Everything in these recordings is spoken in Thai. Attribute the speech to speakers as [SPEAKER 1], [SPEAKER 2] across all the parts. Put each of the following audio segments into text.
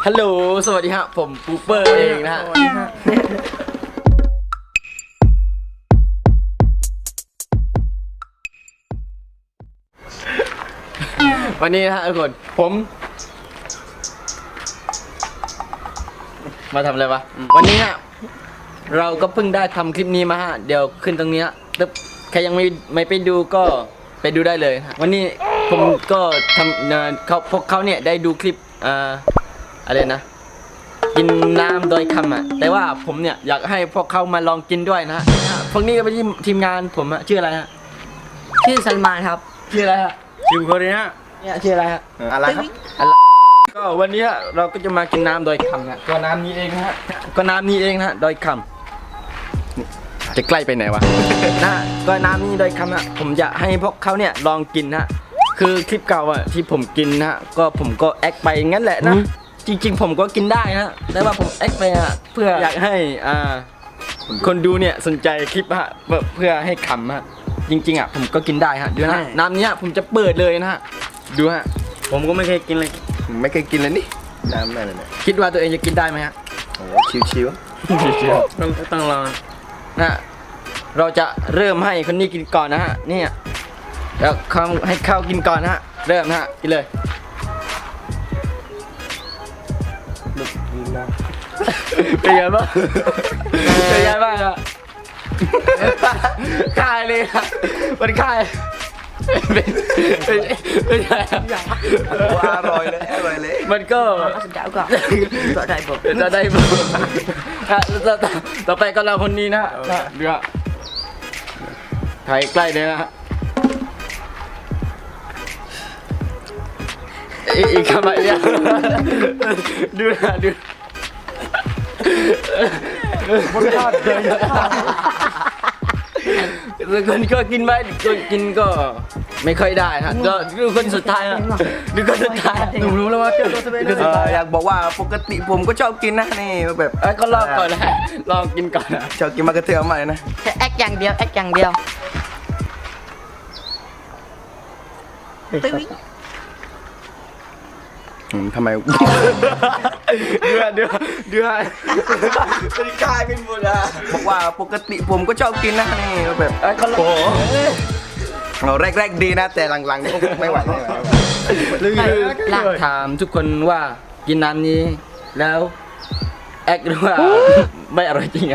[SPEAKER 1] ฮัลโหลสวัสดีฮะผมปูเปอร์เองนะฮะวันนี้นะฮะทุกคนผมมาทำอะไรวะวันนี้ฮะเราก็เพิ่งได้ทำคลิปนี้มาฮะเดี๋ยวขึ้นตรงนี้ตึ๊บใครยังไม่ไปดูก็ไปดูได้เลยวันนี้ผมก็ทำพวกเขาเนี่ยได้ดูคลิปอะไรนะกินน้ำโดยคำแต่ว่าผมเนี่ยอยากให้พวกเขามาลองกินด้วยนะฮะพวกนี้ก็เป็นทีมงานผมชื่ออะไรฮะ
[SPEAKER 2] ชื่อซัลมานครับ
[SPEAKER 1] ชื่ออะไรฮะ
[SPEAKER 3] ชิวคนนี้
[SPEAKER 1] เนี่ยชื่ออะไรฮะ
[SPEAKER 3] อะไรครับ
[SPEAKER 1] ก็วันนี้เราก็จะมากินน้ำโดยคำนะก็น้ำนี้เองนะฮะก็น้ำนี้เองนะโดยคำจะใกล้ไปไหนวะ นะก็น้ำนี้โดยคำนะผมจะให้พวกเขาเนี่ยลองกินนะคือคลิปเก่าที่ผมกินนะก็ผมก็แอคไปงั้นแหละนะจริงๆผมก็กินได้นะแต่ว่าผมแอคไปเพื่ออยากให้คนดูเนี่ยสนใจคลิปเพื่อให้ขำจริงๆผมก็กินได้ดูนะน้ำนี้ผมจะเปิดเลยนะดู
[SPEAKER 3] ผมก็ไม่เคยกินเลยไม่เคยกินเลยนี่น้ำอะไรเนี่ย
[SPEAKER 1] คิดว่าตัวเองจะกินได้ไหม
[SPEAKER 3] โอ้ชิว
[SPEAKER 1] ต้องลองนะเราจะเริ่มให้คนนี้กินก่อนนะฮะนี่แล้วให้ข้าวกินก่อนนะฮะเริ่มนะฮะกินเลยเป็นไงบ้างเป็นไงบ้างอะคายเลยอะมันคายเป็นไง
[SPEAKER 3] อร่อยเลย
[SPEAKER 1] มันก็
[SPEAKER 2] ได้บ่
[SPEAKER 1] ต่อไปก็เราคนนี้นะเดี๋ยวถ่ายใกล้เลยนะฮะอีกคำอะไรเนี่ยดูมันทอดเลยคนก็กินไปกินก็ไม่ค่อยได้ฮะก็ดูคนสุดท้ายนะดูคนสุดท้ายหนูรู้แล้วว่าเจอตัวเป็น
[SPEAKER 3] อยากบอกว่าปกติผมก็ชอบกินนะนี่แบบ
[SPEAKER 1] ก็ลองก่อนนะลองกินก่อนนะ
[SPEAKER 3] ชอบกินมะเขือเทศใหม่นะ
[SPEAKER 2] แค่แอคอย่างเดียว
[SPEAKER 3] ทำไม
[SPEAKER 1] เดือเป็นกายเป็นหมด
[SPEAKER 3] บอกว่าปกติผมก็ชอบกินนะนี่แบบ
[SPEAKER 1] โอ้
[SPEAKER 3] เราแรกดีนะแต่หลังๆก็ไม่ไหว
[SPEAKER 1] ถามทุกคนว่ากินน้ำนี้แล้วแอคหรือว่าไม่อร่อยจริง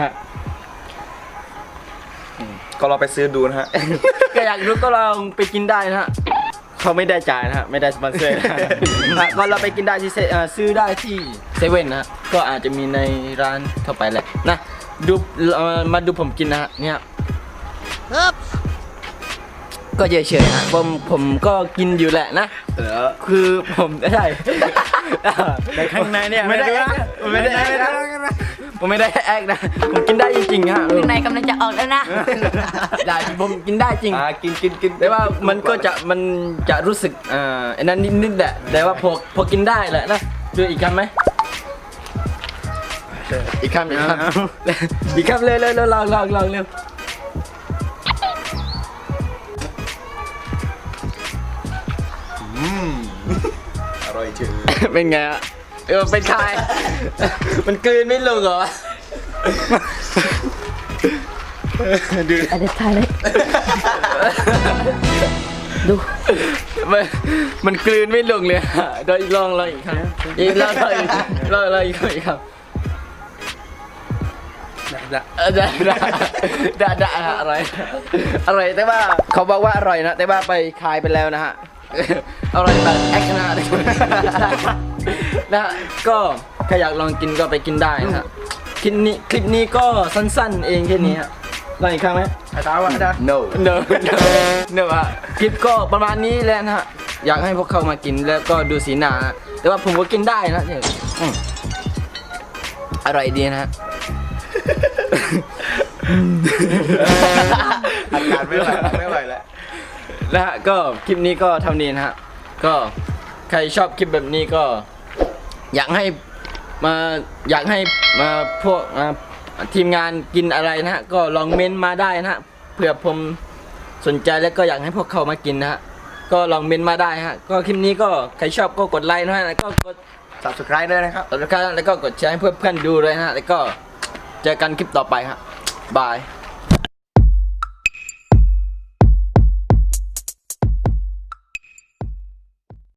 [SPEAKER 3] ก็เราไปซื้อดูนะฮะ
[SPEAKER 1] ก็อยากรู้ก็ลองไปกินได้นะฮะเขาไม่ได้จ่ายนะฮะไม่ได้สปอนเซอร์ก็เราไปกินได้ที่ซื้อได้ที่เซเว่นนะก็อาจจะมีในร้านทั่วไปแหละนะดูมาดูผมกินนะฮะเนี่ยก็เฉยๆฮะผมก็กินอยู่แหละนะคือผมไม่ใช่
[SPEAKER 3] ในข้างในเนี่ย
[SPEAKER 1] ไม่ได้ผมไม่ได้แอคนะผมกินได้จริงๆฮะ
[SPEAKER 2] ข้างในกำลังจะออกแล้วนะ
[SPEAKER 1] ได้ผมกินได้จริง
[SPEAKER 3] กิน
[SPEAKER 1] แต่ว่ามันจะรู้สึกอันนั้นนิดๆแหละแต่ว่าพอกินได้แหละนะดูอีกคำไหมอีกคำเลยลองเร็ว
[SPEAKER 3] อร่อยจริง
[SPEAKER 1] เป็นไงเป็นใครมันกลืนไม่ลงเหรอ
[SPEAKER 2] ดูอะไรถ่ายเลยดู
[SPEAKER 1] มันกลืนไม่ลงเลยโดยลองอีกครั้งอีกแล้วอีกครับได้อะไรแต่ว่าเขาบอกว่าอร่อยนะแต่ว่าไปคายไปแล้วนะฮะอร่อยแบบแอคนะนะก็ใครอยากลองกินก็ไปกินได้นะคลิปนี้ก็สั้นๆเองแค่นี้ฮะลองอีกครั้งไหม
[SPEAKER 3] ตาวะได้
[SPEAKER 1] no คลิปก็ประมาณนี้แหละนะฮะอยากให้พวกเขามากินแล้วก็ดูสีหน้าแต่ว่าผมก็กินได้นะเนี่ยอร่อยดีนะฮะ
[SPEAKER 3] อากาศไม่ไหวแล้ว
[SPEAKER 1] นะฮะก็คลิปนี้ก็เท่านี้นะฮะก็ใครชอบคลิปแบบนี้ก็อยากให้มาพวกทีมงานกินอะไรนะฮะก็ลองเม้นมาได้นะฮะเผื่อผมสนใจแล้วก็อยากให้พวกเขามากินนะฮะก็ลองเม้นมาได้ฮะก็คลิปนี้ก็ใครชอบก็กดไลค์นะฮะก็กด
[SPEAKER 3] subscribe ด้วยนะครับ
[SPEAKER 1] แล้วก็กดแชร์ให้เพื่อนๆดูเลยนะฮะแล้วก็เจอกันคลิปต่อไปฮะบาย